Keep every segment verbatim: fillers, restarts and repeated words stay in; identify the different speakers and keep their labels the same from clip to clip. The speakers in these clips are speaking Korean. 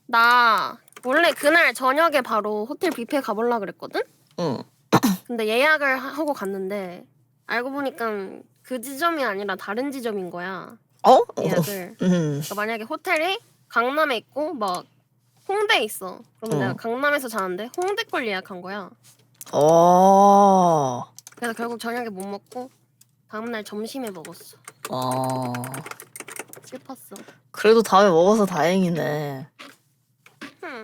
Speaker 1: 나 원래 그날 저녁에 바로 호텔 뷔페 가보려고 그랬거든?
Speaker 2: 응.
Speaker 1: 근데 예약을 하- 하고 갔는데 알고 보니까 그 지점이 아니라 다른 지점인 거야.
Speaker 2: 어?
Speaker 1: 예약을.
Speaker 2: 응.
Speaker 1: 그러니까 만약에 호텔이 강남에 있고 막 홍대에 있어. 그러면
Speaker 2: 응.
Speaker 1: 내가 강남에서 자는데 홍대 걸 예약한 거야.
Speaker 2: 어.
Speaker 1: 그래서 결국 저녁에 못 먹고 다음날 점심에 먹었어.
Speaker 2: 어.
Speaker 1: 슬펐어.
Speaker 2: 그래도 다음에 먹어서 다행이네.
Speaker 1: 흠.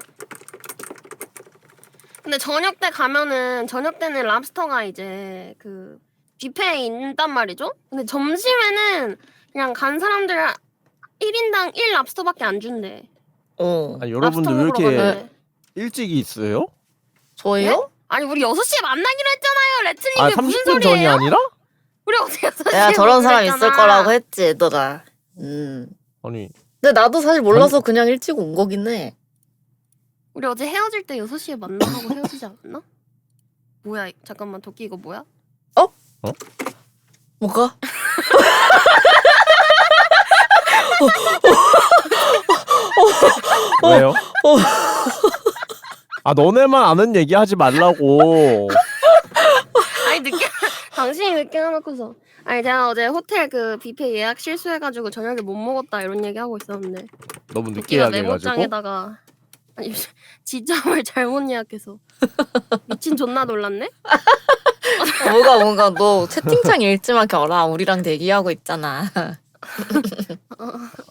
Speaker 1: 근데 저녁 때 가면은 저녁 때는 랍스터가 이제 그 뷔페에 있단 말이죠. 근데 점심에는 그냥 간 사람들 일 인당 일 랍스터밖에 안 준대.
Speaker 2: 어.
Speaker 3: 아니,
Speaker 1: 랍스터
Speaker 3: 여러분들 왜
Speaker 1: 먹으러
Speaker 3: 이렇게
Speaker 1: 갔는데.
Speaker 3: 일찍 있어요?
Speaker 2: 저희요?
Speaker 1: 아니 우리 여섯 시에 만나기로 했잖아요. 레츠님
Speaker 3: 아,
Speaker 1: 그게 무슨
Speaker 3: 삼십 분 전이
Speaker 1: 소리예요?
Speaker 3: 아니라?
Speaker 1: 우리 어제 여섯 시에
Speaker 2: 내가 저런 사람 있을
Speaker 1: 했잖아.
Speaker 2: 거라고 했지, 얘들아. 음.
Speaker 3: 아니,
Speaker 2: 근데 나도 사실 몰라서 그냥 일찍 온 거긴 해.
Speaker 1: 우리 어제 헤어질 때 여섯 시에 만나고 헤어지지 않았나? 뭐야? 잠깐만 도끼 이거 뭐야?
Speaker 2: 뭐가?
Speaker 3: 왜요? 아, 너네만 아는 얘기 하지 말라고.
Speaker 1: 아니 늦게 당신이 늦게 해놓고서 아니 제가 어제 호텔 그 뷔페 예약 실수해가지고 저녁에 못 먹었다 이런 얘기 하고 있었는데
Speaker 3: 너무 늦게
Speaker 1: 도끼가
Speaker 3: 이야기해가지고.
Speaker 1: 메모장에다가 아니 지점을 잘못 예약해서 미친 존나 놀랐네.
Speaker 2: 어, 뭐가 뭔가 너 채팅창 읽지만 겨라 우리랑 대기하고 있잖아.